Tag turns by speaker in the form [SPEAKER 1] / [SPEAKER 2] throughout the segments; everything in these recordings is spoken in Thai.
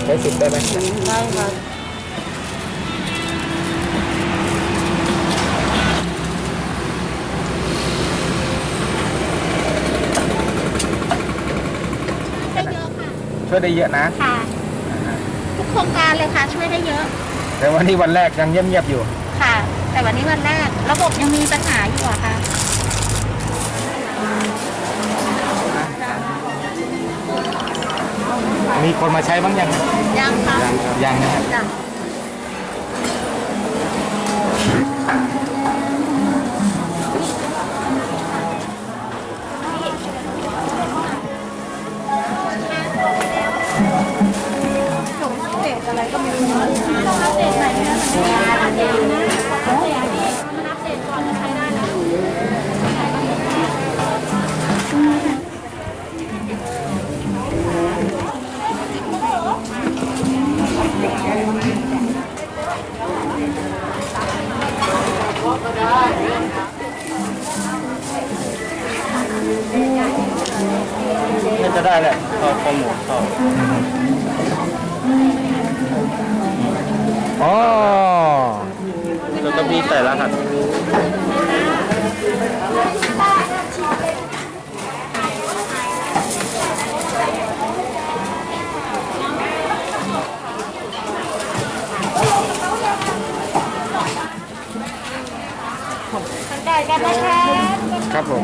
[SPEAKER 1] ช้สิทธิ์ได้ไหม
[SPEAKER 2] ได้ค่ะได้เยอะค่ะ
[SPEAKER 1] ช่วยได้เยอะนะ
[SPEAKER 2] ค่ะทุกโครงการเลยค่ะช่วยได้เยอะ
[SPEAKER 1] แต่วันนี้วันแรกยังเงียบๆอยู่
[SPEAKER 2] ค่ะแต่วันนี้วันแรกระบบยังมีปัญหาอยู่อะค่ะ
[SPEAKER 1] มีคนมาใช้บ้างยัง
[SPEAKER 2] ยังค่ะ
[SPEAKER 1] ยังนะครับ
[SPEAKER 2] เด็กอะไรก็ไม่รู้ต้องอัปเดตใหม่นะมันไม่ได้อัปเดตนะอัปเดตนี่มันอัปเดตก่อนจะใช้ได้นะ
[SPEAKER 1] น่าจะได้แหละเข้าข้อมูลเข้าอ๋อแล้วก็มีแต่รหัส
[SPEAKER 2] ได้กันนะคะ
[SPEAKER 1] ครับผม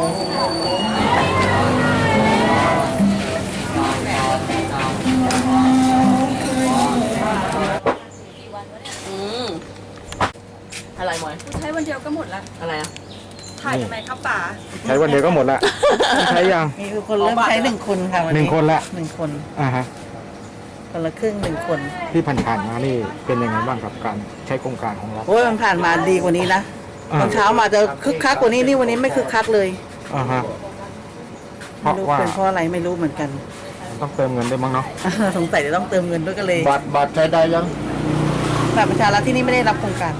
[SPEAKER 3] อะไรหมอย
[SPEAKER 4] ใช้วันเดียวก็หมดละ
[SPEAKER 3] อะไรอ่ะ
[SPEAKER 4] ถ่ายทำไมครับป๋า
[SPEAKER 1] ใช้วันเดียวก็หมดละใช้ยัง
[SPEAKER 3] มีคนเริ่มใช้1 คนค่ะวันนี้
[SPEAKER 1] 1 คนละ
[SPEAKER 3] 1 คน
[SPEAKER 1] ฮะ
[SPEAKER 3] คนละครึ่ง1 คน
[SPEAKER 1] ที่ผ่านๆมานี่เป็นยังไงบ้างกับการใช้โครงการของเรา
[SPEAKER 3] โอ้ยมันผ่านมาดีกว่านี้นะตอนเช้ามาจะคึกคักกว่านี้นี่วันนี้ไม่คึกคักเลย
[SPEAKER 1] ฮะเพ
[SPEAKER 3] ไม่
[SPEAKER 1] ราะ
[SPEAKER 3] รู้
[SPEAKER 1] ว่า
[SPEAKER 3] เป็นเพราะอะไรไม่รู้เหมือนกัน
[SPEAKER 1] ต้องเติมเงินด้วยมั้งเนาะ
[SPEAKER 3] สงสัยจะต้องเติมเงินด้วยกันเลย
[SPEAKER 1] บัตรใช้ได้ยัง
[SPEAKER 3] บัตรประชารัฐที่นี่ไม่ได้รับโครงการ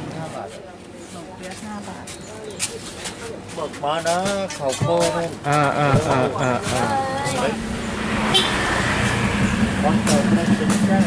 [SPEAKER 1] บอกมานะเขาโค้งวันเกิดไม่เป็นแจ้ง